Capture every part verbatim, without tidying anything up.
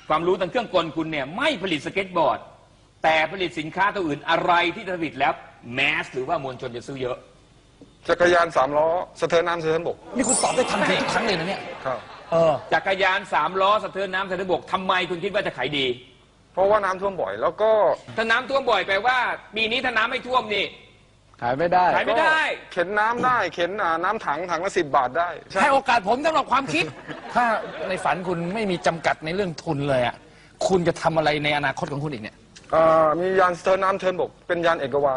ความรู้ทางเครื่องกลคุณเนี่ยไม่ผลิตสเก็ตบอร์ดแต่ผลิตสินค้าตัวอื่นอะไรที่ผลิตแล้วแมสหรือว่ามวลชนจะซื้อเยอะจักรยานสามล้อสะเทินน้ำสะเทินบกนี่คุณตอบได้ทันทีทุกครั้งเลยนะเนี่ยครับเออจักรยานสามล้อสะเทินน้ำสะเทินบกทำไมคุณคิดว่าจะขายดีเพราะว่าน้ำท่วมบ่อยแล้วก็ถ้าน้ำท่วมบ่อยแปลว่าปีนี้ถ้าน้ำไม่ท่วมนี่ขายไม่ได้ขายไม่ได้เข็นน้ำได้เข็นน้ำถังถังละสิบบาทได้ให้โอกาสผมสำหรับความคิดถ้าในฝันคุณไม่มีจำกัดในเรื่องทุนเลยอ่ะคุณจะทำอะไรในอนาคตของคุณอีกเนี่ยมียานสะเทินน้ำเทินบกเป็นยานเอกวาน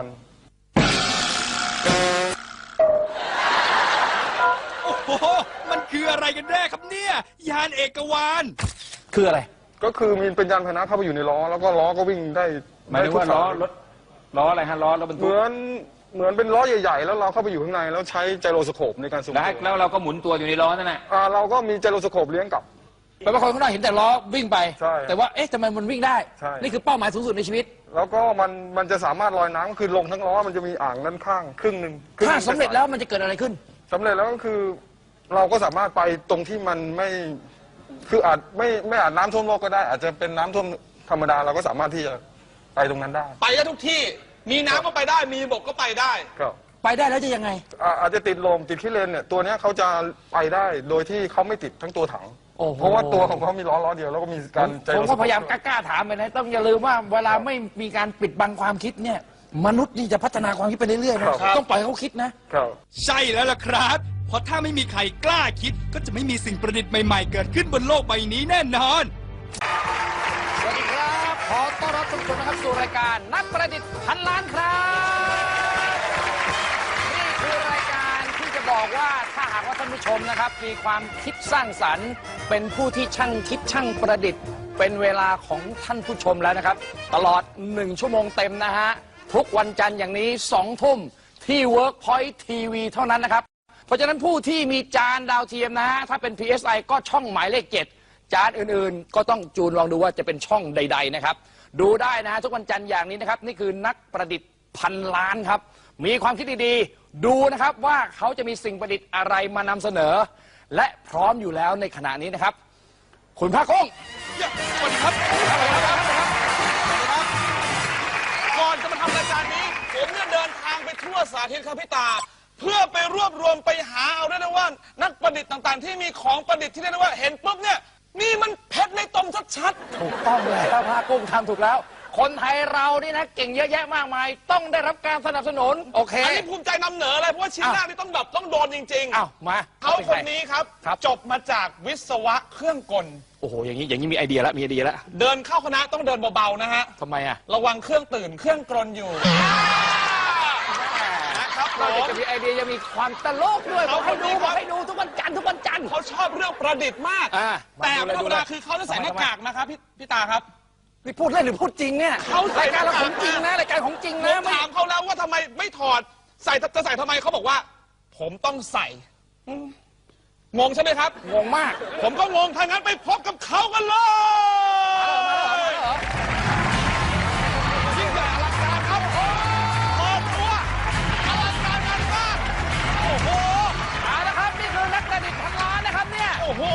โอ้โหมันคืออะไรกันแน่ครับเนี่ยยานเอกวานคืออะไรก็คือมีเป็นยานพาหนะเข้าไปอยู่ในล้อแล้วก็ล้อก็วิ่งได้หมายถึงว่าล้อรถล้ออะไรฮะล้อรถบรรทุกเหมือนเหมือนเป็นล้อใหญ่ๆแล้วเราเข้าไปอยู่ข้างในแล้วใช้ไจโรสโคปในการสูงตัวแล้วเราก็หมุนตัวอยู่ในล้อนั่นแหละเราก็มีไจโรสโคปเลี้ยงกับแปลว่าคนข้างนอกเห็นแต่ล้อวิ่งไปแต่ว่าเอ๊ะทำไมมันวิ่งได้นี่คือเป้าหมายสูงสุดในชีวิตแล้วก็มันมันจะสามารถลอยน้ำคือลงทั้งล้อมันจะมีอ่างด้านข้างครึ่งหนึ่งถ้าสำเร็จแล้วมันจะเกิดอะไรขึ้นสำเร็จแล้วก็คือเราก็สามารถไปตรงที่มันไม่คืออาจไม่ไม่อาจน้ำท่วมโลกก็ได้อาจจะเป็นน้ำท่วมธรรมดาเราก็สามารถที่จะไปตรงนั้นได้ไปได้ทุกที่มีน้ำก็ไปได้มีบกก็ไปได้ครับไปได้แล้วจะยังไงอาจจะติดลมติดขี้เลนเนี่ยตัวนี้เขาจะไปได้โดยที่เขาไม่ติดทั้งตัวถังเพราะว่าตัวของเขามีล้อล้อเดียวแล้วก็มีการผมก็พยายามกล้าถามไปนะต้องอย่าลืมว่าเวลาไม่มีการปิดบังความคิดเนี่ยมนุษย์นี่จะพัฒนาความคิดไปเรื่อยๆนะต้องปล่อยเขาคิดนะใช่แล้วล่ะครับเพราะถ้าไม่มีใครกล้าคิดก็จะไม่มีสิ่งประดิษฐ์ใหม่ๆเกิดขึ้นบนโลกใบนี้แน่นอนสวัสดีครับขอต้อนรับทุกคนนะครับสู่รายการนักประดิษฐ์พันล้านครับนี่คือรายการที่จะบอกว่าถ้าหากว่าท่านผู้ชมนะครับมีความคิดสร้างสรรค์เป็นผู้ที่ช่างคิดช่างประดิษฐ์เป็นเวลาของท่านผู้ชมแล้วนะครับตลอดหนึ่งชั่วโมงเต็มนะฮะทุกวันจันทร์อย่างนี้สองทุ่มที่ Workpoint ที วี เท่านั้นนะครับเพราะฉะนั้นผู้ที่มีจานดาวเทียมนะฮะถ้าเป็น พี เอส ไอ ก็ช่องหมายเลขเจ็ดจานอื่นๆก็ต้องจูนลองดูว่าจะเป็นช่องใดๆนะครับดูได้นะฮะทุกวันจันทร์อย่างนี้นะครับนี่คือนักประดิษฐ์พันล้านครับมีความคิดดีๆดูนะครับว่าเขาจะมีสิ่งประดิษฐ์อะไรมานำเสนอและพร้อมอยู่แล้วในขณะนี้นะครับคุณพระกุ้งสวัสดีครับก่อนจะมาทำรายการนี้ผมเนี่ยเดินทางไปทั่วสาธิตครับพี่ตาเพื่อไปรวบรวมไปหาเอาได้นะว่านักประดิษฐ์ต่างๆที่มีของประดิษฐ์ที่ได้นะว่าเห็นปุ๊บเนี่ยนี่มันเพชรในตมชัดๆถูกต้องเลยพระกุ้งทำถูกแล้วคนไทยเรานี่นะเก่งเยอะแยะมากมายต้องได้รับการสนับสนุนโอเคอันนี้ภูมิใจนำเหนือเลยเพราะว่าชิ้นแรกนี่ต้องแบบต้องโดนจริงๆอ้าวมาเขาคนนี้ครับจบมาจากวิศวะเครื่องกลโอ้โหอย่างนี้อย่างนี้มีไอเดียแล้วมีไอเดียแล้วเดินเข้าคณะต้องเดินเบาๆนะฮะทำไมอ่ะระวังเครื่องตื่นเครื่องกลนอยู่เราจะมีไอเดียจะมีความตลกด้วยเขาให้ดูเขาให้ดูทุกวันจันทร์ทุกวันจันทร์เขาชอบเรื่องประดิษฐ์มากแต่ธรรมดาคือเขาจะใส่หน้ากากนะครับพี่พี่ตาครับนี่พูดเล่นหรือพูดจริงเนี่ยเขารายการเราของจริงนะรายการของจริงนะถามเขาแล้วว่าทำไมไม่ถอดใส่จะใส่ทำไมเขาบอกว่าผมต้องใส่งงใช่ไหมครับงงมากผมก็งงถ้างั้นไปพบกับเขากันเลยยิ่งใหญ่อลังการครับโอ้โหตัวอลังการงานมากโอ้โหเอาละครับนี่คือนักประดิษฐ์พันล้านนะครับเนี่ยโอ้โห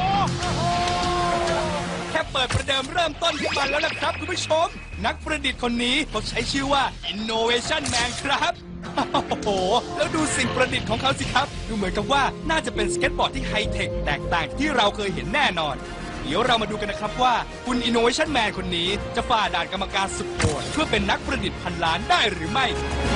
แค่เปิดประเดิมเริ่มต้นขึ้นมาแล้วนะครับคุณผู้ชมนักประดิษฐ์คนนี้เขาใช้ชื่อว่า Innovation Man ครับโอ้โหแล้วดูสิ่งประดิษฐ์ของเขาสิครับดูเหมือนกับว่าน่าจะเป็นสเก็ตบอร์ดที่ไฮเทคแตกต่างที่เราเคยเห็นแน่นอนเดี๋ยวเรามาดูกันนะครับว่าคุณ Innovation Man คนนี้จะฝ่าด่านกรรมการสุดโหดเพื่อเป็นนักประดิษฐ์พันล้านได้หรือไม่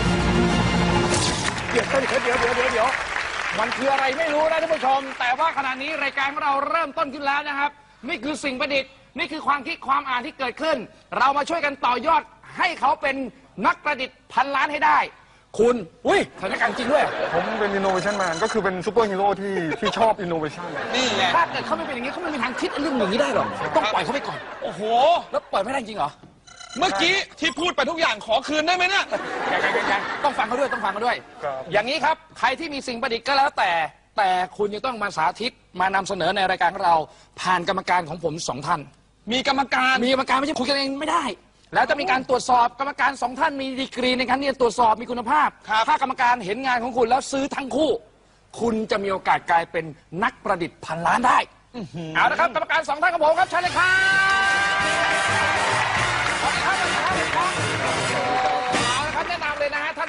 เดี๋ยวเดี๋ยวเดี๋ยวเดี๋ยวเดี๋ยวเดี๋ยวมันคืออะไรไม่รู้นะท่านผู้ชมแต่ว่าขณะนี้รายการของเราเริ่มต้นขึ้นแล้วนะครับนี่คือสิ่งประดิษฐ์นี่คือความคิดความอ่านที่เกิดขึ้นเรามาช่วยกันต่อยอดให้เขาเป็นนักประดิษฐ์พันล้านให้ได้คุณอุ้ยสถานการณ์จริงด้วยผมเป็น Innovation Man ก็คือเป็นซูเปอร์ฮีโร่ที่ที่ชอบ Innovation นี่ไงถ้าเกิดเขาไม่เป็นอย่างนี้เขาไม่มีทางคิดเรื่องอย่างนี้ได้หรอกต้องปล่อยเขาไปก่อนโอ้โหแล้วปล่อยไม่ได้จริงเหรอเมื่อกี้ที่พูดไปทุกอย่างขอคืนได้ไหมเนี่ยยังๆต้องฟังเขาด้วยต้องฟังเขาด้วยอย่างนี้ครับใครที่มีสิ่งประดิษฐ์ก็แล้วแต่แต่คุณจะต้องมาสาธิตมานำเสนอในรายการของเราผ่านกรรมการของผมสองท่านมีกรรมการมีกรรมการไม่ใช่คุยกันเองไม่ได้แล้วจะมีการตรวจสอบกรรมการสองท่านมีดีกรีในการที่จะตรวจสอบมีคุณภาพถ้ากรรมการเห็นงานของคุณแล้วซื้อทั้งคู่คุณจะมีโอกาสกลายเป็นนักประดิษฐ์พันล้านได้เอาละครับกรรมการสองท่านของผมครับเชิญเลยครับ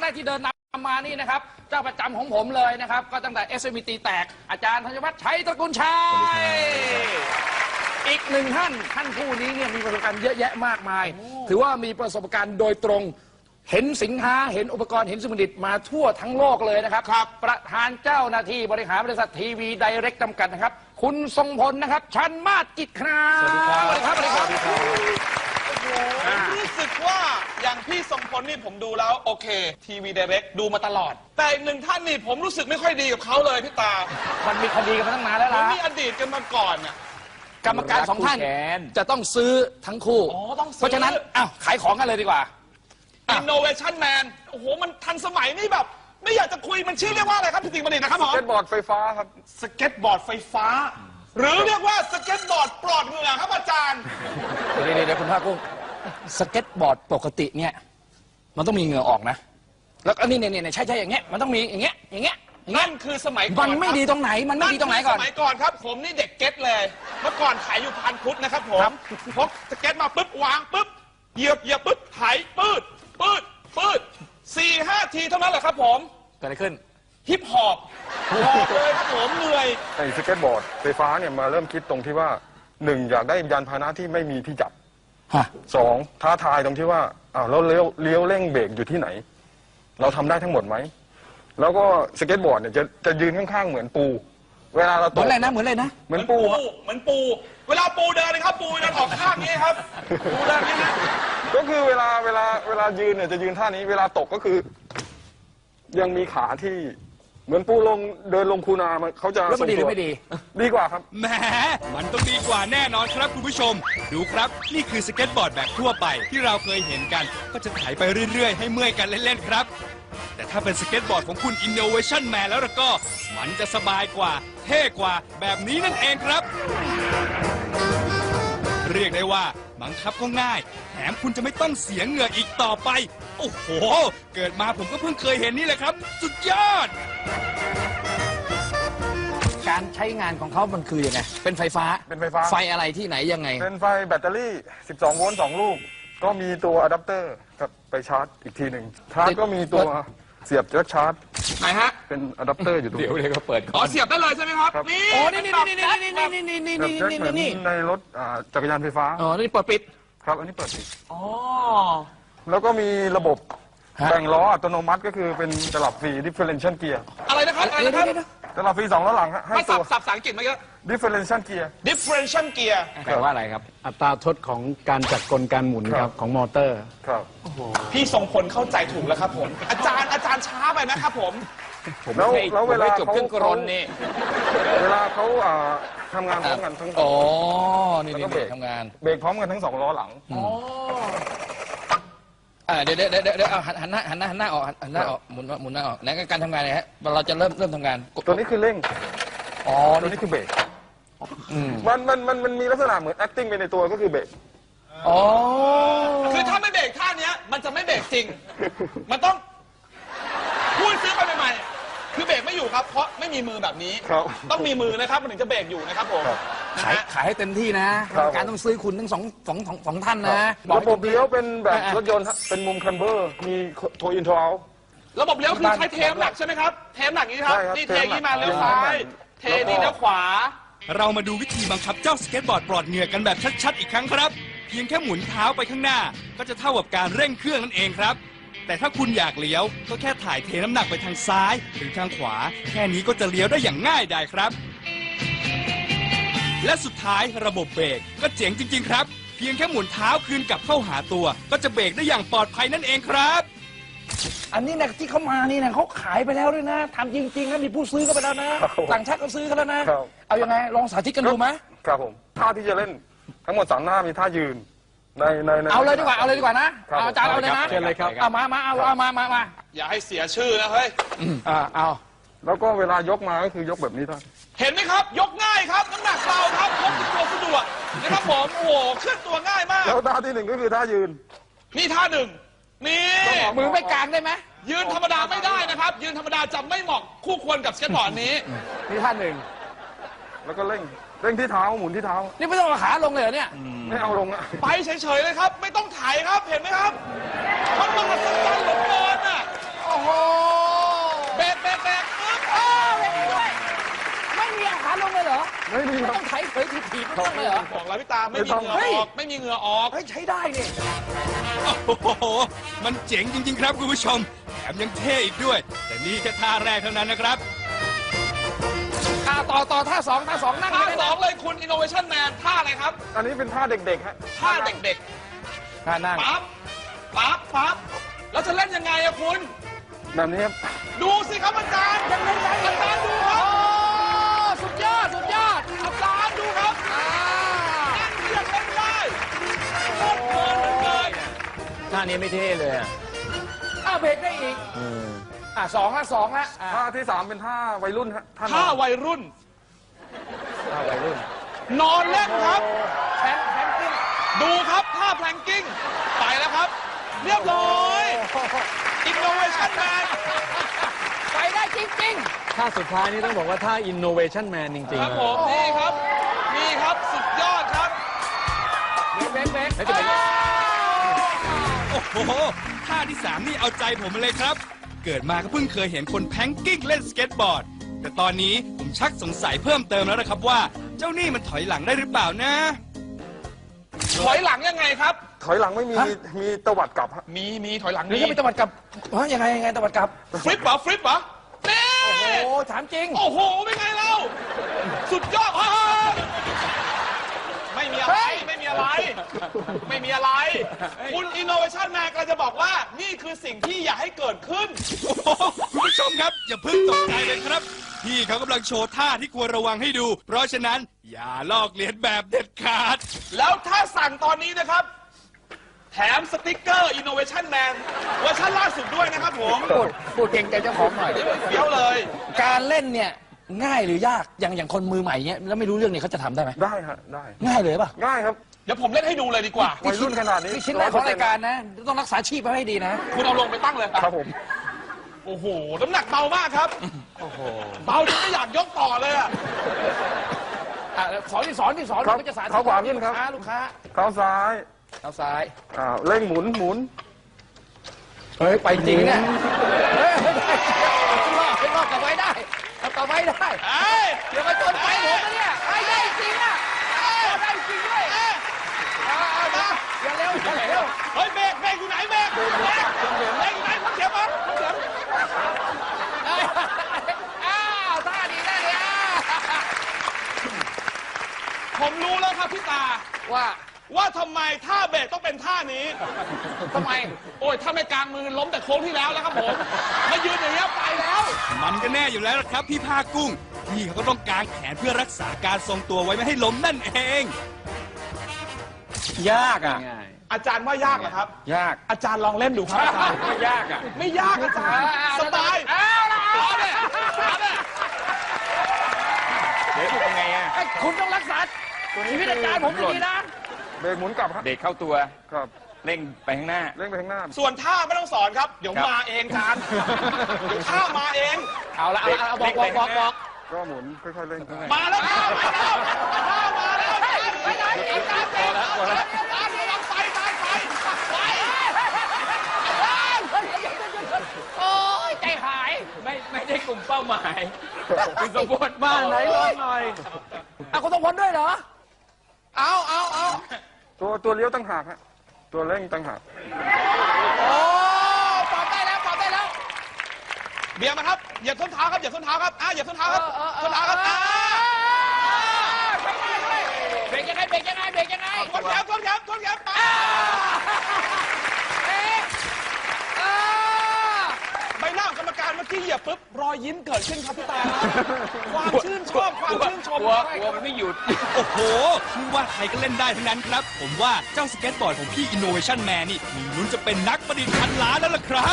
แรกที่เดินนำมานี่นะครับเจ้าประจำของผมเลยนะครับก็ตั้งแต่ เอส เอ็ม อี ตีแตกอาจารย์ธัญวัฒน์ชัยตระกูลชัยอีกหนึ่งท่านท่านผู้นี้เนี่ยมีประสบการณ์เยอะแยะมากมาย ถือว่ามีประสบการณ์โดยตรงเห็นสินค้าเห็นอุปกรณ์เห็นสมุดิตมาทั่วทั้งโลกเลยนะครับครับประธานเจ้าหน้าที่บริหารบริษัททีวีไดเรกจำกัดนะครับคุณทรงพลนะครับชันมาศกิจครับสวัสดีครับสวัสดีครับสวัสดีครับผมรู้สึกว่าอย่างพี่ทรงพลนี่ผมดูแล้วโอเคทีวี Direct ดูมาตลอด แต่อีกหนึ่งท่านนี่ผมรู้สึกไม่ค่อยดีกับเขาเลยพี่ตามันมีคดีกันมาตั้งนานแล้วผมล่ะมีอดีตกันมาก่อนน่ะกรรมการสองท่านคู่แขนจะต้องซื้อทั้งคู่อ๋อต้องซื้อเพราะฉะนั้นอ้าวขายของกันเลยดีกว่า อ่ะ Innovation Man โอ้โหมันทันสมัยนี่แบบ ไม่อยากจะคุยมันชื่อเรียกว่าอะไรครับพี่ติ๋งบัณฑิตนะครับผมสเก็ตบอร์ดไฟฟ้าครับสเก็ตบอร์ดไฟฟ้า หรือเรียกว่าสเก็ตบอร์ดปลอดเหงื่อครับอาจารย์เดี๋ยวเดี๋ยวเดี๋ยวคุณภาคกุ้งสเก็ตบอร์ดปกติเนี่ยมันต้องมีเหงื่อออกนะแล้วก็นี่เนี่ยเนี่ยใช่ใช่อย่างเงี้ยมันต้องมีอย่างเงี้ยอย่างเงี้ยอย่างเงี้นั่ยนคือสมัยก่อนมันไม่ครับดีตรงไหนมันไม่ดีตรงไหนก่อนคืสมัยก่อนครับ ผมนี่เด็กเก็ตเลย เมื่อก่อนขายอยู่พันพุทธนะครับผมพกสเก็ตมาปุ๊บวางปุ๊บเหยียบเหยียบปุ๊บไถปืดปืดปืดสี่ห้าทีเท่านั้นแหละครับผมเกิดอะไรขึ้นฮิปฮอปหอบเลยครับผมเหนื่อยไอ้สเก็ตบอร์ดไฟฟ้าเนี่ยมาเริ่มคิดตรงที่ว่าหนึ่งอยากได้ยานพาหนะที่ไม่มีที่จับฮะสองท้าทายตรงที่ว่าอ้าวเราเลี้ยวเลี้ยวเร่งเบรกอยู่ที่ไหน เราทำได้ทั้งหมดไหมแล้วก็สเก็ตบอร์ดเนี่ยจะจะยืนข้างๆเหมือนปู เวลาเราเหตมือก นอะไรนะเหมือนอะไรนะเหมือนปูฮะเหมือนปู เวลาปูเดินนะครับ ปูเดินออกข้างนี้ครับ ปูเดินอย่างนี้นะก็คือเวลาเวลาเวลายืนเนี่ยจะยืนท่านี้เวลาตกก็คือ ยังมีขาที่เหมือนปูลงเดินลงคูนามันเขาจะแล้วมันดีหรือไม่ดีดีกว่าครับแหมมันต้องดีกว่าแน่นอนครับคุณผู้ชม ดูครับ นี่คือสเก็ตบอร์ดแบบทั่วไปที่เราเคยเห็นกัน ก็จะไถไปเรื่อยๆ ให้เมื่อยกันเล่นๆครับ แต่ถ้าเป็นสเก็ตบอร์ดของคุณ Innovation Man แล้วล่ะก็ มันจะสบายกว่า เท่กว่าแบบนี้นั่นเองครับ เรียกได้ว่าบังคับก็ง่าย แถมคุณจะไม่ต้องเสียเหงื่ออีกต่อไป โอ้โห เกิดมาผมก็เพิ่งเคยเห็นนี่แหละครับ สุดยอดการใช้งานของเขามันคือยังไงเป็นไฟฟ้าเป็นไฟฟ้าไฟอะไรที่ไหนยังไงเป็นไฟแบตเตอรี่ สิบสอง โวลต์สองลูก ก็มีตัวอะแดปเตอร์กับไปชาร์จอีกทีหนึ่งชาร์จก็มีตัวเสียบแจ็คชาร์จไหนฮะเป็นอะแดปเตอร์อยู่ตรงเดี๋ยวนี้เดี๋ยวก็เปิดอ๋ก่ออนเสียบได้เลยใช่ไหมครับครับนี่โอ้นี่นี่นี่นี่นี่นี่นี่นี่แบบนี่แจ็คนี่เหมือนนี่ในรถอ่าจักรยานไฟฟ้าอ๋อนี่เปิดปิดครับ อันนี้เปิดปิดอ๋อแล้วก็มีระบบฮะแบ่งล้ออัตโนมัติก็คือเป็นตลับฟรี differential gear อะไรนะครับ อะไรเดี๋ยวนะครับเดี๋ยวเดี๋ยวตลับฟรีสองล้อหลังฮะให้มาตัสับวสับภาษาอังกฤษมาเยอะ differential gear differential gear แปลว่าอะไรครับอัตราทดของการจัดกลการหมุนคครัรับ บของมอเตอร์ครับพี่ทรงพลเข้าใจถูกแล้วครับผม อาจารย์อาจารย์ช้าไปนะครับผมแล้วให้แล้วเวลาผมให้จบเขาเครื่องกรนนี่เวลาเขาอ่าทำงานพร้อมกันทั้งอ๋อนี่แล้วนี่ก็เบรกทำงานเบรกพร้อมกันทั้งสองล้อหลังอ่าเดี๋ยวเดี๋ยวเดี๋ยวเดี๋ยวเอาหันหันหน้าหันหน้าหันหน้าออกหันหน้าออกหมุนหมุนหน้าออกไหนการทำงานเนี่ยฮะเราจะเริ่มเริ่มทำงานกดตัวนี้คือเร่งอ๋อตัวนี่นี้คือเบรกอืมมันมันมันมันมีลักษณะเหมือน acting ไปในตัวก็คือเบรกอ๋อคือถ้าไม่เบรกท่าเนี้ย มันจะไม่เบรกจริง มันต้องพูดซื้อไปใหม่ๆคือเบรกไม่อยู่ครับ เพราะไม่มีมือแบบนี้ครับต้องมีมือนะครับ มันถึงจะเบรกอยู่นะครับผมครับนะขายฮะขายให้เต็มที่นะครับ การต้องซื้อคุณทั้งสองสองสองสองท่านนะระบบเลี้ยวเป็นแบบอ่ะรถยนต์ฮะเป็นมุมคันเบอร์ มีโทอินโทเอาระบบเลี้ยวคือใช้เทมหลักใช่ไหมครับ เทมหลักนี้ครับใช่ครับนี่เทอย่างนี้มาเทเลี้ยวมหลักซ้าย เทนี่เลี้ยวขวาเรามาดูวิธีบังคับเจ้าสเก็ตบอร์ดปลอดเหงื่อกันแบบชัดๆอีกครั้งครับ เพียงแค่หมุนเท้าไปข้างหน้า ก็จะเท่ากับการเร่งเครื่องนั่นเองครับ แต่ถ้าคุณอยากเลี้ยวก็แค่ถ่ายเทน้ำหนักไปทางซ้ายหรือทางขวา แค่นี้ก็จะเลี้ยวได้อย่างง่ายดายครับ และสุดท้ายระบบเบรกก็เจ๋งจริง ๆ ครับ เพียงแค่หมุนเท้าคืนกลับเข้าหาตัว ก็จะเบรกได้อย่างปลอดภัยนั่นเองครับอันนี้นะที่เขามานี่นะเขาขายไปแล้วด้วยนะทำจริงๆนะมีผู้ซื้อก็ไปแล้วนะครับผมต่างชาติก็ซื้อกันแล้วนะครับเอายังไงลองสาธิตกันดูไหมครับผม ท่าที่จะเล่นทั้งหมดสามหน้ามีท่ายืน ในในในเอาเลยดีกว่าเอาเลยดีกว่านะครับ เอาอาจารย์เอาเลยนะเชิญเลยครับเอามามาเอาเอามามามาอย่าให้เสียชื่อนะเฮ้ยอ่าเอาแล้วก็เวลายกมาก็คือยกแบบนี้ท่านเห็นไหมครับ ยกง่ายครับน้ำหนักเบาครับพกติดตัวสะดวกนะครับผม โอ้โหเคลื่อนตัวง่ายมากแล้วท่าที่หนึ่งก็คือท่ายืนนี่ท่าหนึ่งนี่มือไม่กลางได้ไหมยืนธรรมดาไม่ได้นะครับ ยืนธรรมดาจะไม่เหมาะคู่ควรกับสเก็ตบอร์ดนี้นี่ท่านหนึ่งแล้วก็เร่ง เร่งที่เท้าหมุนที่เท้านี่ไม่ต้องเอาขาลงเลยเหรอเนี่ยไม่เอาลงอะไปเฉยๆเลยครับ ไม่ต้องถ่ายครับ เห็นไหมครับมันมหัศจรรย์เหลือเกินอ่ะโอ้อ้โหเบรกเบรกเบรกปึ๊บเออเห็นด้วยไม่มีเอาขาลงเลยเหรอไม่มีไม่ครัต้บองไถเผยถีบๆไม่ต้องเลยเหรอบอกแล้วพี่ตาไม่มีเหงื่อเฮ้ยออกไม่มีเหงื่อออกเฮ้ยใช้ได้นี่โอ้โห มันเจ๋งจริง ๆ ครับคุณผู้ชม แถมยังเท่อีกด้วย แต่นี่แค่ท่าแรกเท่านั้นนะครับอ่าต่อต่อท่าสองท่าสองนั่งท่าเลยสองเลยคุณ Innovation Man ท่าอะไรครับอันนี้เป็นท่าเด็กๆฮะท่าเด็กท่านั่งๆปั๊บปั๊บปั๊บแล้วจะเล่นยังไงอะคุณแบบนี้ครับดูสิครับอาจารย์ยังไงอาจารย์ดูคโอ้รับสุดยอดสุดยอดอาจารย์ดูครับอ่าเรียกเล่นได้โคตรเพลินเลยท่านี้ไม่เท่เลยอ่ะอ้าวเบรกได้อีกอ่าสองละสองละอ่าท่าที่สามเป็นท่าวัยรุ่นฮะท่านท่าวัยรุ่นท่าวัยรุ่นนอนเล่นครับแพนแพนกิ้งดูครับท่าแพลงกิ้งไปแล้วครับ เรียบร้อย Innovation Man ไปได้จริงท่าสุดท้ายนี่ต้องบอกว่าท่า innovation man จริงครับๆผมนี่ครับ นี่ครับสุดยอดครับๆเบรกเบรกเบรกแล้วจะเป็นโอ้โห ท่าที่สามนี่เอาใจผมเลยครับ เกิดมาก็เพิ่งเคยเห็นคนแพงกิ้งเล่นสเก็ตบอร์ด แต่ตอนนี้ผมชักสงสัยเพิ่มเติมแล้วนะครับว่า เจ้านี่มันถอยหลังได้หรือเปล่านะถอยหลังยังไงครับถอยหลังไม่มีมีตวัดกลับฮะมีมีถอยหลังหรือมีจะไปตะวัดกลับฮะยังไงยังไงตะวัดกลับฟลิปเหรอฟลิปเหรอนี่โอ้โหถามจริงโอ้โหเป็นไงเราสุดยอดฮ่าไม่มีอะไรไม่มีอะไร ไม่มีอะไร คุณ Innovation Man กำลังจะบอกว่านี่คือสิ่งที่อยากให้เกิดขึ้นโอ้โหคุณผู้ชมครับ อย่าเพิ่งตกใจเลยครับ พี่เขากำลังโชว์ท่าที่ควรระวังให้ดู เพราะฉะนั้นอย่าลอกเลียนแบบเด็ดขาดแล้วถ้าสั่งตอนนี้นะครับ แถมสติกเกอร์ Innovation Man เวอร์ชันล่าสุดด้วยนะครับผมพูดพูดเก่งใจเจ้าของหน่อยเฟี้ยวเลยการเล่นเนี่ยง่ายหรือยากอย่างอย่างคนมือใหม่เนี่ยแล้วไม่รู้เรื่องเนี่ยเขาจะทำได้ไหมได้ฮะได้ง่ายเลยป่ะง่ายครับเดี๋ยวผมเล่นให้ดูเลยดีกว่าวัยรุ่นขนาดนี้นี่ชิ้นแรกของรายการนะ ต้องรักษาชีพไว้ให้ดีนะคุณเอาลงไปตั้งเลยครับผมโอ้โห น้ำหนักเบามากครับ เบาจนไม่อยากยกต่อเลยอะอ่ะสอนที่สอนที่สอนครับก็จะสาธิตเท้าขวาขึ้นครับลูกค้าลูกค้าเท้าซ้ายเท้าซ้ายอ่าเร่งหมุนหมุนเฮ้ยไปจริงเนี่ยเฮ้ยไม่ได้รอดไม่รอดกลับไว้ได้กลับไว้ได้เอ้ยเดี๋ยวมาจนไปผมนะเนี่ยไปได้จริงอ่ะเอาได้จริงด้วยเอาเอานะอย่าเร็วอย่าเร็วเฮ้ยเบรกเบรกอยู่ไหนเบรกเบรกเบรกอยู่ไหนพักเสียงมั้งพักเสียงอ้าวท่าดีท่าดีอ่ะผมรู้แล้วครับพี่ตาว่าว่าทำไมท่าเบรกต้องเป็นท่านี้ทำไมโอ้ยถ้าไม่กลางมือล้มแต่โค้งที่แล้วแล้วครับผมมายืนอย่างเงี้ยไปแล้วมันก็แน่อยู่แล้วล่ะครับพี่ภาคกุ้ง พี่เขาก็ต้องกางแขนเพื่อรักษาการทรงตัวไว้ไม่ให้ล้มนั่นเองยากอ่ะง่ายอาจารย์ว่ายากเหรอครับยากอาจารย์ลองเล่นดูครับอาจารย์ไม่ยากอ่ะไม่ยากอาจารย์สบายเอาละเอาเนี่ยเอาเนี่ยเดี๋ยวเป็นไงอ่ะไอ้คุณต้องรักษาชีวิตอาจารย์ผมดีๆนะเบรกหมุนกลับฮะเด็กเข้าตัวครับเร่งไปข้างหน้าเร่งไปข้างหน้าส่วนท่าไม่ต้องสอนครับ เดี๋ยวครับมาเองอาจารย์เดี๋ยวท่ามาเองเอาละเอาละเอาบอกบอกบอกบอกก็หมุนค่อยๆเร่งมาแล้วท่ามาแล้วท่ามาแล้วไปไหนอาจารย์เบรกอาจารย์ระวังไฟไฟไฟไฟโอ้ยใจหายไม่ไม่ได้กลุ่มเป้าหมายคือสมบูรณ์บ้านไหนลองหน่อยเอาคุณต้องพ้นด้วยเหรอ เอาเอาเอาตัวตัวเลี้ยวตั้งหากฮะตัวเร่งตั้งหากโอ้ปรับได้แล้วปรับได้แล้วเบียร์มาครับเหยียบส้นเท้าครับเหยียบส้นเท้าครับอ่ะเหยียบส้นเท้าครับเออเออเออส้นเท้าครับอ่ะเบรกยังไงเบรกยังไงเบรกยังไงทวนแขนทวนแขนทวนแขนไปเอ๊ะอ่าใบหน้าของกรรมการเมื่อกี้เหยียบปุ๊บรอยยิ้มเกิดขึ้นครับพี่ตาครับความชื่นชอบความชื่นชมกลัวกลัวมันไม่หยุดโอ้โหไม่ว่าใครก็เล่นได้ทั้งนั้นครับ ผมว่าเจ้าสเก็ตบอร์ดของพี่ Innovation Man นี่มีลุ้นจะเป็นนักประดิษฐ์พันล้านแล้วล่ะครับ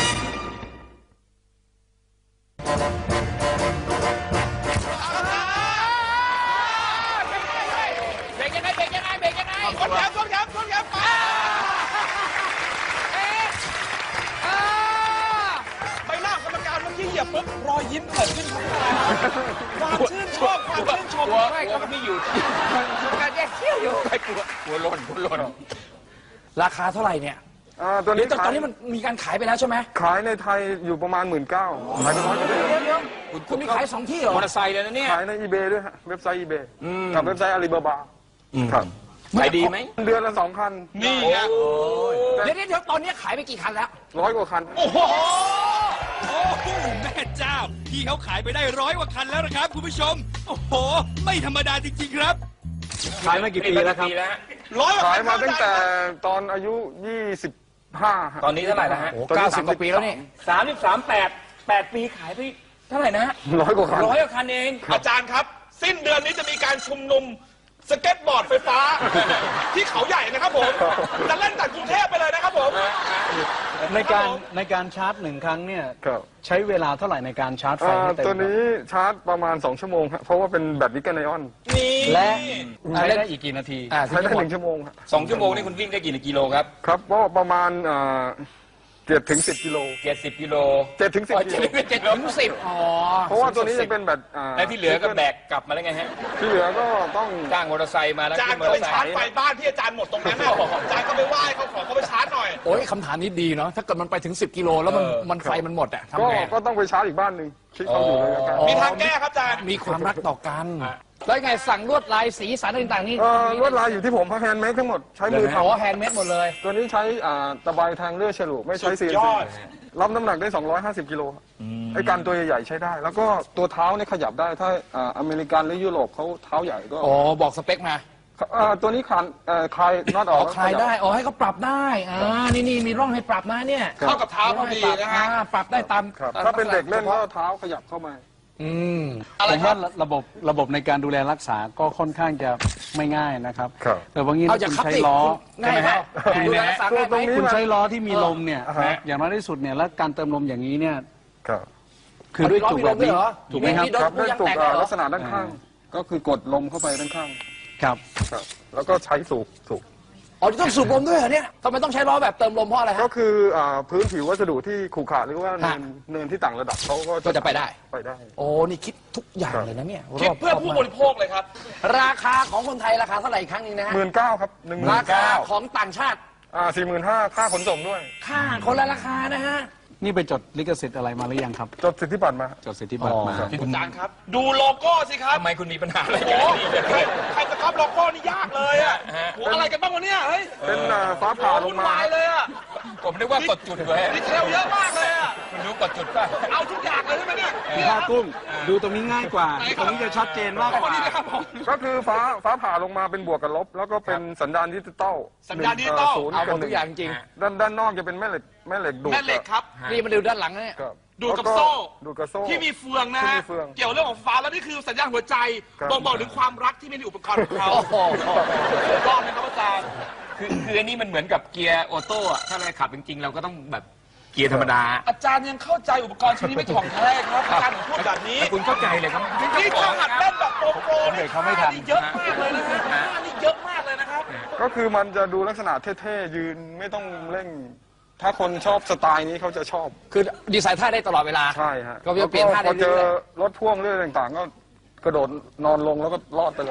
เบรกยังไงเบรกยังไงเบรกยังไงทวนแขนทวนแขนทวนแขนไปเอ๊ะอ่าใบหน้าของกรรมการเมื่อกี้เหยียบปุ๊บรอยยิ้มเกิดขึ้นครับพี่ตาครับความชื่นชอบความชื่นชมกลัวกลัวมันไม่หยุดการแยกเขี้ยวอยู่ไม่กลัวกลัวหล่นกลัวหล่นราคาเท่าไหร่เนี่ยอ่าตัวเดี๋นี้ยวแต่ตอนนี้มันมีการขายไปแล้วใช่ไหมขายในไทยอยู่ประมาณหมื่นเก้าขายไปร้อยกว่าเดี๋ยวเดี๋ยวคุณมีขายสองที่เหรอมอเตอร์ไซค์เลยนะเนี่ยขายใน อีเบ ด้วยฮะเว็บไซต์ อีเบ กับเว็บไซต์อาลีบาบาครับขายดีไหมเดือนละสองคันนี่ไงเดี๋ยวเดี๋ยวตอนนี้ขายไปกี่คันแล้วร้อยกว่าคันโอ้โหโอ้โหแม่เจ้า พี่เขาขายไปได้ร้อยกว่าคันแล้วนะครับคุณผู้ชม โอ้โห ไม่ธรรมดาจริงๆครับขายมากี่ปีแล้วครับร้อยกว่าขายคันมาตั้งแต่ตอนอายุยี่สิบห้าตอนนี้เท่าไหร่นะฮะโอ้เก้าสิบกว่าปีแล้วนี่สามสิบสามแปดแปดปีขายไปเท่าไหร่นะฮะร้อยกว่าคันร้อยกว่าคันเองอาจารย์ครับ สิ้นเดือนนี้จะมีการชุมนุมสเก็ตบอร์ดไฟฟ้า ที่เขาใหญ่นะครับผม จะเล่นจากกรุงเทพไปเลยนะครับผมในการในการชาร์จหนึ่งครั้งเนี่ยครับใช้เวลาเท่าไหร่ในการชาร์จไฟอ่าให้เต็มตัวนี้ชาร์จประมาณสองชั่วโมงครับเพราะว่าเป็นแบตนิกเกิลไอออนนี่และใช้ได้อีกกี่นาทีอ่าใช้ได้หนึ่งชั่วโมงครับสองชั่วโมงนี่คุณวิ่งได้กี่กิโลครับครับก็ประมาณเจ็ดถึงสิบกิโลเจ็ดสิบกิโลเจ็ดถึงสิบกิโลเจ็ดถึงสิบอ๋อเพราะว่าตัวนี้จะเป็นแบตอ่าแล้วที่เหลือก็แบกกลับมาแล้วไงฮะที่เหลือก็ต้องจ้างมอเตอร์ไซค์มาแล้วอาจารขึ้ย์นมอก็เตไปอร์ไซชาร์จค์ไฟบ้านที่อาจารย์หมดตรงนั้นน่ะอาจารย์ก็ไปไหว้เขาขอเขาไปชาร์จหน่อยโอ้ยคำถามนี้ดีเนาะถ้าเกิดมันไปถึงสิบกิโลแล้วมันมันไฟมันหมดอะก็ทำไงก็ต้องไปชาร์จอีกบ้านหนึ่งที่เขาอยู่เลยนะครับมีทางแก้ครับอาจารย์มีความรักต่อกัน แล้วไงสั่งลวดลายสีสันต่างๆนี่เอ่อลวดลายอยู่ที่ผมพักแฮนด์เมดทั้งหมดใช้มืออ๋อทำแฮนด์เมดหมดเลยตัวนี้ใช้อ่าตะไบแทงเลื่อยฉลุไม่ใช้ ซี เอ็นยซีอดรับน้ำหนักได้สองร้อยห้าสิบกิโลไอ้การตัวใหญ่ๆใช้ได้ แล้วก็ตัวเท้าเนี่ยขยับได้ถ้าอ่าอเมริกันหรือยุโรปเขาเท้าใหญ่ก็อ๋อ บอกสเปคมาอ่าตัวนี้คลานเอ่อคลายน็อตออ๋ออก คลายได้ อ๋อ ให้เขาปรับได้ อ่า นี่นี่มีร่องให้ปรับนะเนี่ยเข้ากับเท้าพอดีนะฮะอ่าปรับได้ตามครับตมถ้าเป็นเด็กเล่นก็ฉพาะเท้าขยับเข้ามาอืมผมว่าระบบระบบในการดูแลรักษาก็ค่อนข้างจะไม่ง่ายนะครับครับแต่บางทีเอาถ้าจากคุณขับใช้ติล้อง่ายไหมง่ายดูไหมแลรักษาง่ายไหมตรงนี้คุณใช้ล้อที่มีลมเนี่ยอ่าฮะอย่างน้อยที่สุดเนี่ยแล้วการเติมลมอย่างนี้เนี่ยครับคือด้วยจุกแบบนี้เอาด้วยล้อมีลมด้วยเหรอถูกไหมครับมีโดนครับด้วยยางตุกแตกอ่าเหรอลักษณะด้านข้าง ก็คือกดลมเข้าไปด้านข้างครับครับแล้วก็ใช้สูบสูบอ๋อต้องสูบลมด้วยเหรอเนี่ยทำไมต้องใช้ล้อแบบเติมลมเพราะอะไรก็ฮะคืออ่าพื้นผิววัสดุที่ขรุขระหรือว่าเนินฮะเนินที่ต่างระดับเขาก็ก็จะไปได้ไปได้โอ้ นี่คิดทุกอย่างเลยนะเนี่ยคิดเพื่อรบผู้มากบริโภคเลยครับราคาของคนไทยราคาเท่าไหร่อีกครั้งหนึงนะฮะหมื่นเก้าครับหนึ่งหมื่ราน คาเก้าของต่างชาติอ่าสี่หมื่นห้าค่าขนส่งด้วยค่าคนละราคานะฮะนี่ไปจดลิขสิทธิ์อะไรมาหรือยังครับจดสิทธิบัตรมาจดสิทธิบัตรมาอ๋ออาจารย์ครับ ดูโลโก้สิครับทำไมคุณมีปัญหาอะไรโอ้กันโหใครใครจะครับโลโก้นี่ยากเลยอ่ะโหอะไรกันบ้างวะเนี่ยเฮ้ยเป็นอ่าฟ้าผ่าลวุ่งนมาวายเลยอ่ะผมนึกว่ากดจุดไว้ดีเทลเยอะมากเลยอ่ะคุณรู้กดจุดป่ะเอาทุกอย่างเลยใช่ไหมเนี่ยเนี่ยผ้ากุ้งดูตรงนี้ง่ายกว่าไหนคตรับรงนี้จะชัดเจนมากกว่านี่นะครับผมก็คือฟ้าฟ้าผ่าลงมาเป็นบวกกับลบ แล้วก็เป็นสัญญาณดิจิตอลสัญญาณดิจิตอลศูนย์เอาหมกับดหทุนึ่กอย่างจริงด้านด้านนอกจะเป็นแม่เหล็กแม่เหล็กดูดแม่เหล็กครับนี่มาดูด้านหลังนะเนี่ยครับดูดกับแล้วโซ่ดูดกับโซ่ที่มีเฟืองนะที่ฮะมีเฟืองเกี่ยวเรื่องของฟ้าแล้วนี่คือสัญญาณหัวใจครับบ่งบอกถึงความรักที่มีในอุปกรณ์ของเขาโอ้โหรอบนะครับอาจารย์คือคืออันนี้มันเหมือนกับเกียร์ออโต้อะถ้าเราขับจริงๆ เราก็ต้องแบบเกียร์ธรรมดาอาจารย์ยังเข้าใจอุปกรณ์ชิ้นนี้ไม่ถ่องแท้ครับอาจารย์ถึงพูดแบบนี้แต่คุณเข้าใจเลยครับนี่ถ้าหัดเล่นแบบโปรโปรเบรกเขาไม่ทันนี่เยอะมากเลยนะฮะนี่เยอะมากเลยนะครับก็คือมันจะดูลักษณะเท่ๆ ยืนไม่ต้องเร่ง ถ้าคนชอบสไตล์นี้เขาจะชอบคือดีไซน์ท่าได้ตลอดเวลาใช่ฮะก็จะเปลี่ยนท่าได้พอเจอเรื่อยรถพ่วงเรื่องต่างๆ ก็กระโดดนอนลงแล้วก็รอดไปเลย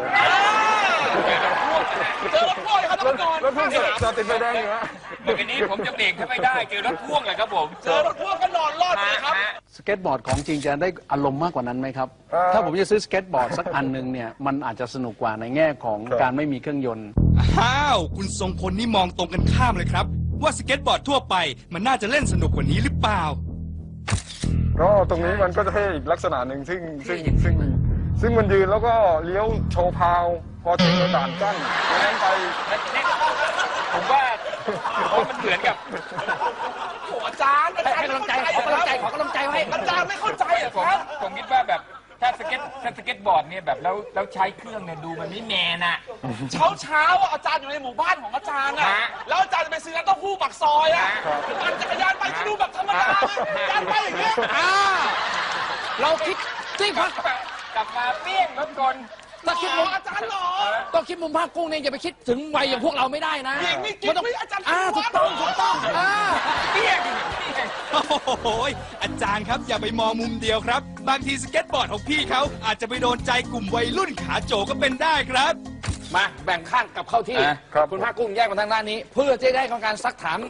เจอรถพ่วงเลยครับท่านผู้ชมรถพ่วงจอดติดไฟแดงอยู่ฮะเมื่อกี้นี้ผมจะเบรกถ้าไม่ได้เจอรถพ่วงเลยครับผมเจอรถพ่วงก็นอนรอดเลยครับฮะสเก็ตบอร์ดของจริงจะได้อารมณ์มากกว่านั้นไหมครับเอ่อถ้าผมจะซื้อสเก็ตบอร์ดสักอันหนึ่งเนี่ยมันอาจจะสนุกกว่าในแง่ของครับการไม่มีเครื่องยนต์อ้าว คุณทรงพลนี่มองตรงกันข้ามเลยครับ ว่าสเก็ตบอร์ดทั่วไปมันน่าจะเล่นสนุกกว่านี้หรือเปล่าก็ตรงนี้มันก็จะเท่อีกลักษณะหนึ่งซึ่งซึ่งซึ่งซึ่งมันยืนแล้วก็เลี้ยวโชว์พาว พอถึงด่านกั้นนั้นไปผมว่าผมว่ามันเหมือนกับโอ้อาจารย์อาจารย์ให้กำลังใจขอกำลังใจขอกำลังใจไว้อาจารย์ไม่เข้าใจเหรอผมครับผมคิดว่าแบบถ้าสเก็ตถ้าสเก็ตบอร์ดเนี่ยแบบแล้วแล้วใช้เครื่องเนี่ยดูมันไม่แมนอะเช้าเช้าๆอ่ะอาจารย์อยู่ในหมู่บ้านของอาจารย์อ่ะฮะแล้วอาจารย์จะไปซื้อน้ำเต้าหู้ปักซอยอ่ะปั่นจักรยานไปก็ดูแบบธรรมดาอาจารย์ไปอย่างเงี้ยอ่า เราคิดที่พักกลับมาเปี้ยงรถกลถ้าคิดมุมอาจารย์หรอต้องคิดมุมภาคกุ้งเนี่ยอย่าไปคิดถึงวัยอย่างพวกเราไม่ได้นะหญิงนี่กิ๊กมันต้องไม่อาจารย์อ่าคิถูดกว่าต้องถูกต้องอ่าเปี้ยงโอ้โหยอาจารย์ครับอย่าไปมองมุมเดียวครับ บางทีสเก็ตบอร์ดของพี่เขาอาจจะไปโดนใจกลุ่มวัยรุ่นขาโจก็เป็นได้ครับมาแบ่งข้างกลับเข้าที่อ่ะครับคุณภาคกุ้งแยกมาทางด้านนี้ เพื่อจะได้ของการซักถาม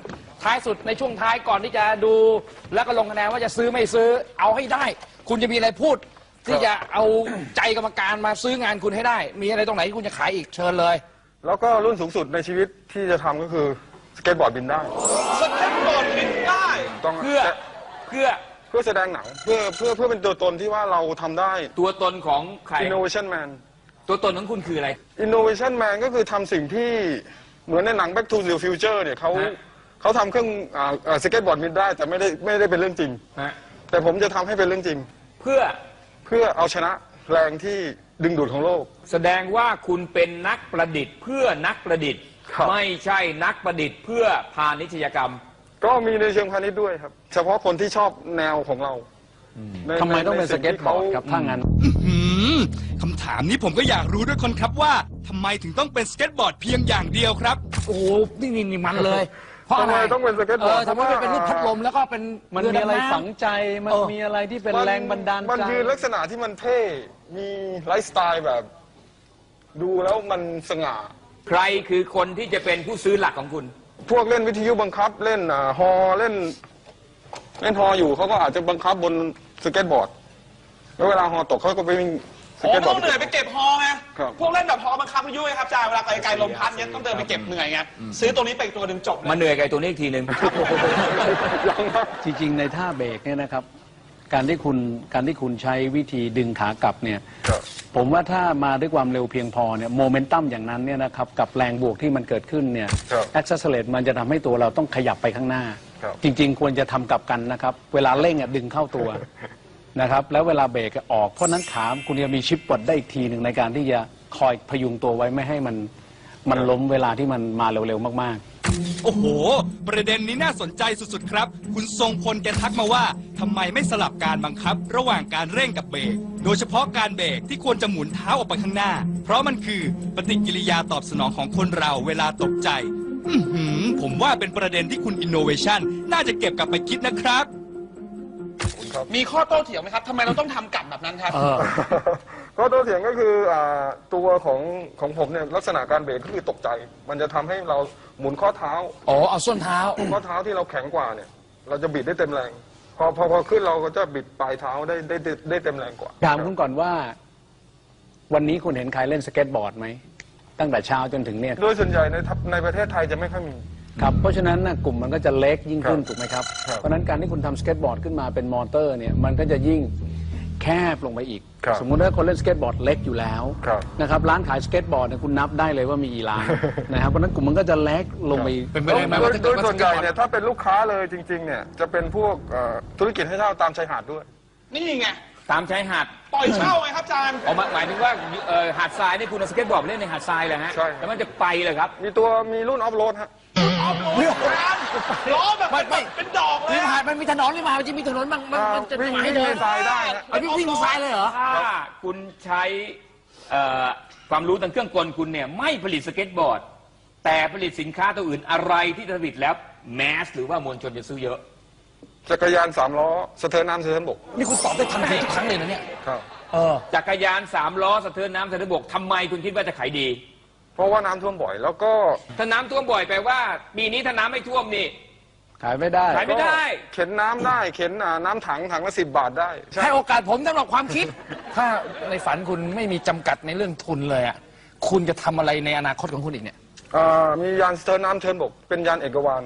ท้ายสุดในช่วงท้ายก่อนที่จะดูแล้วก็ลงคะแนนว่าจะซื้อไม่ซื้อเอาให้ได้ คุณจะมีอะไรพูด ที่จะเอาใจกรรมการมาซื้องานคุณให้ได้ มีอะไรตรงไหนที่คุณจะขายอีกเชิญเลยแล้วก็รุ่นสูงสุดในชีวิตที่จะทำก็คือสเก็ตบอร์ดบินได้สเก็ตบอร์ดบินได้ต้องเพื่อเพื่อเพื่อแสดงหนังเพื่อเพื่อเพื่อเป็นตัวตนที่ว่าเราทำได้ตัวตนของใคร innovation man ตัวตนของคุณคืออะไร innovation man ก็คือทำสิ่งที่เหมือนในหนัง Back to the Future เนี่ยเขาฮะเขาทำเครื่องอ่าอ่าสเก็ตบอร์ดบินได้แต่ไม่ได้ไม่ได้เป็นเรื่องจริงฮะแต่ผมจะทำให้เป็นเรื่องจริงเพื่อเพื่อเอาชนะแรงที่ดึงดูดของโลกแสดงว่าคุณเป็นนักประดิษฐ์เพื่อนักประดิษฐ์ครับไม่ใช่นักประดิษฐ์เพื่อพาณิชยกรรมก็มีในเชิงพาณิชย์ด้วยครับ เฉพาะคนที่ชอบแนวของเราในทำไมต้องเป็นในสสิ่เก็ตที่บอขาร์ดครับถ้างั้นหืมคำถามนี้ผมก็อยากรู้ด้วยคนครับว่าทำไมถึงต้องเป็นสเก็ตบอร์ดเพียงอย่างเดียวครับโอ้โหนี่นี่นี่มันเลย เพราะทำอะไรไมต้องเป็นสเก็ตบอร์ดเออทำไมไม่เป็นรูปพัดลมแล้วก็เป็นมันเมีอะไรดำน้ำฝังใจ มันเออมีอะไรที่เป็นแรงบันดาลใจมันยืนลักษณะที่มันเท่ มีไลฟ์สไตล์แบบ ดูแล้วมันสง่าใครคือคนที่จะเป็นผู้ซื้อหลักของคุณพวกเล่นวิทยุบังคับเล่นอ่าฮอเล่น เล่นฮออยู่เขาก็อาจจะบังคับบนสเก็ตบอร์ด แล้วเวลาฮอตกเขาก็ไปวิ่งสโอ้เก็ตบอต้ร์อดงเหนื่อยไปเก็บฮอไงครับพวกเล่นแบบฮอบังคับพายุไงครับอาจารย์เวลาไกลๆลมพัดเนี้ยต้องเดินไปเก็บเหนื่อยไงซื้อตัวนี้ไปอีกตัวหนึ่งจบเลยมาเหนื่อยกับไอ้ตัวนี้อีกทีหนึ่งยังครับจริงๆ ในท่าเบรกเนี่ยนะครับ การที่คุณการที่คุณใช้วิธีดึงขากลับเนี่ยครับผมว่าถ้ามาด้วยความเร็วเพียงพอเนี่ยโมเมนตัมอย่างนั้นเนี่ยนะครับกับแรงบวกที่มันเกิดขึ้นเนี่ยครับแอคเซสเลตมันจะทำให้ตัวเราต้องขยับไปข้างหน้าครับจริงๆ ควรจะทำกลับกันนะครับ เวลาเร่งอ่ะดึงเข้าตัวนะครับแล้วเวลาเบรกออกเพราะนั้นขาคุณจะมีชิปปลดได้อีกทีหนึ่งในการที่จะคอยพยุงตัวไว้ไม่ให้มันมันล้มเวลาที่มันมาเร็วๆมากๆโอ้โห ประเด็นนี้น่าสนใจสุดๆครับ คุณทรงพลแกทักมาว่าทำไมไม่สลับการบังคับ ระหว่างการเร่งกับเบรก โดยเฉพาะการเบรกที่ควรจะหมุนเท้าออกไปข้างหน้า เพราะมันคือปฏิกิริยาตอบสนองของคนเราเวลาตกใจ อื้อหือผมว่าเป็นประเด็นที่คุณ Innovation น่าจะเก็บกลับไปคิดนะครับมีข้อโต้เถียงไหมครับทำไมเราต้องทำกลับแบบนั้นครับเออก็ตัวเถียงก็คืออ่าตัวของของผมเนี่ยลักษณะการเบรกก็คือตกใจ มันจะทำให้เราหมุนข้อเท้าอ๋อเอาส้นเท้าข้อเท้าที่เราแข็งกว่าเนี่ย เราจะบิดได้เต็มแรง พอพอพอขึ้นเราก็จะบิดปลายเท้าได้ได้ได้ได้เต็มแรงกว่าถามคุณก่อนว่า วันนี้คุณเห็นใครเล่นสเก็ตบอร์ดไหมตั้งแต่เช้าจนถึงเนี่ยโดยส่วนใหญ่ในทัพในประเทศไทยจะไม่ค่อยมีครับเพราะฉะนั้นนะกลุ่มมันก็จะเล็กยิ่งขึ้นครับถูกไหมครับครับเพราะฉะนั้นการที่คุณทำสเก็ตบอร์ดขึ้นมาเป็นมอเตอร์เนี่ยมันก็จะยิ่งแคบลงไปอีกครับสมมุติว่าคนเล่นสเก็ตบอร์ดเล็กอยู่แล้วครับนะครับร้านขายสเก็ตบอร์ดเนี่ยคุณนับได้เลยว่ามีกี่ร้าน นะครับเพราะฉะนั้นกลุ่มมันก็จะเล็กลงไปอีกเป็นไปโดได้ยไหมโดว่าย ถ้าโดเกิดยว่าส่วนใหญ่เนี่ยถ้าเป็นลูกค้าเลยจริงๆเนี่ยจะเป็นพวกเอ่อธุรกิจให้เช่าตามชายหาดด้วยนี่ไงตามชายหาดปล่อยเช่าไงครับอาจารย์เอามาหมายถึงว่าเอ่อหาดทรายนี่คุณเอาสเก็ตบอร์ดไปเล่นในหาดทรายเลยฮะใช่แล้วมันจะไปเลยครับมีตัวมีรุ่นออฟโรดฮะออฟโรดอาจารย์ล้อแบบไม่ไม่เป็นดอกเลริยมหาอะดมันมีถนนริมหาดมันจะมีถนนบางมันมันจะวิ่งให้เดิวิ่นงในทรายได้นะเอาวิ่งวิ่งบนทรายเลยเหรอถ้าคุณใช้เอ่อความรู้ทางเครื่องกลคุณเนี่ยไม่ผลิตสเก็ตบอร์ด แต่ผลิตสินค้าตัวอื่นอะไรที่ผลิตแล้วแมสหรือว่ามวลชนจะซื้อเยอะจักรยานสามล้อสะเทินน้ำสะเทินบกนี่คุณตอบได้ทันทีทุกครั้งเลยนะเนี่ยครับเออจักรยานสามล้อสะเทินน้ำสะเทินบกทำไมคุณคิดว่าจะขายดีเพราะว่าน้ำท่วมบ่อย แล้วก็ถ้าน้ำท่วมบ่อยแปลว่าปีนี้ถ้าน้ำไม่ท่วมนี่ขายไม่ได้ขายไม่ได้เข็นน้ำได้เข็นอ่าน้ำถังถังละสิบบาทได้ใช่ให้โอกาสผมสำหรับความคิด ถ้าในฝันคุณไม่มีจำกัดในเรื่องทุนเลยอ่ะคุณจะทำอะไรในอนาคตของคุณอีกเนี่ยอ่ามียานสะเทินน้ำสะเทินบก เป็นยานเอกวาน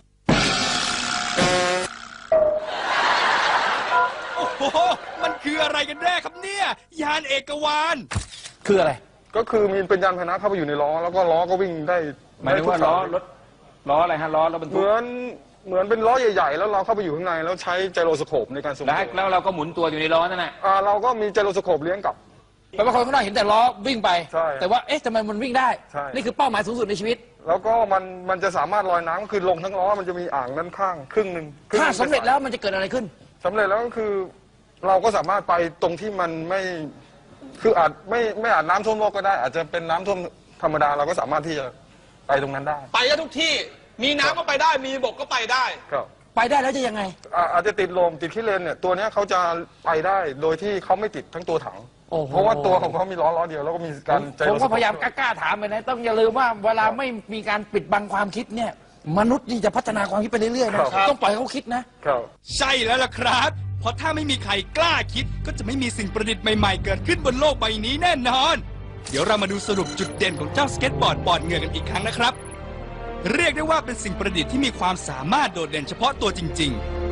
โอ้โห มันคืออะไรกันแน่ครับเนี่ย ยานเอกวานคืออะไรก็คือมีเป็นยานพาหนะเข้าไปอยู่ในล้อ แล้วก็ล้อก็วิ่งได้หมายถึงว่าได้ทุกล้อสยรถล้ออะไรฮะล้อรถบรรเหทุกมือนเหมือนเป็นล้อใหญ่ๆ แล้วเราเข้าไปอยู่ข้างในแล้วใช้ไจโรสโคปในการทรงแล้วตัวแล้วเราก็หมุนตัวอยู่ในล้อนั่นแหละอ่าเราก็มีไจโรสโคปเลี้ยงกลับแปลว่าคนข้างนอกเห็นแต่ล้อวิ่งไปใช่แต่ว่าเอ๊ะทำไมมันวิ่งได้ใช่นี่คือเป้าหมายสูงสุดในชีวิตแล้วก็มันมันจะสามารถลอยน้ำคือลงทั้งล้อมันจะมีอ่างด้านข้างครึ่งหนึ่งคงหถ้านึ่งสำเร็จแล้วมันจะเกิดอะไรขึ้นสำเร็จแล้วก็คือเราก็สามารถไปตรงที่มันไม่คืออาจไม่ไม่อาจน้ำท่วมโลกก็ได้ อาจจะเป็นน้ำท่วมธรรมดาเราก็สามารถที่จะไปตรงนั้นได้ไปได้ทุกที่ มีน้ำก็ไปได้ มีบกก็ไปได้ครับไปได้แล้วจะยังไงอ่าอาจจะติดลมติดขี้เลนเนี่ยตัวเนี้ยเขาจะไปได้โดยที่เขาไม่ติดทั้งตัวถังโอ้โหเพราะว่าตัวของเขามีล้อล้อเดียวแล้วก็มีการใจผมรสก็พยายามกล้าๆถามไปนะต้องอย่าลืมว่าเวลาไม่มีการปิดบังความคิดเนี่ยมนุษย์นี่จะพัฒนาความคิดไปเรื่อยๆนะครับ ต้องปล่อยให้เขาคิดนะครับใช่แล้วล่ะครับ เพราะถ้าไม่มีใครกล้าคิด ก็จะไม่มีสิ่งประดิษฐ์ใหม่ๆ เกิดขึ้นบนโลกใบนี้แน่นอน เดี๋ยวเรามาดูสรุปจุดเด่นของเจ้าสเก็ตบอร์ดปอดเหงื่อกันอีกครั้งนะครับ เรียกได้ว่าเป็นสิ่งประดิษฐ์ที่มีความสามารถโดดเด่นเฉพาะตัวจริง ๆ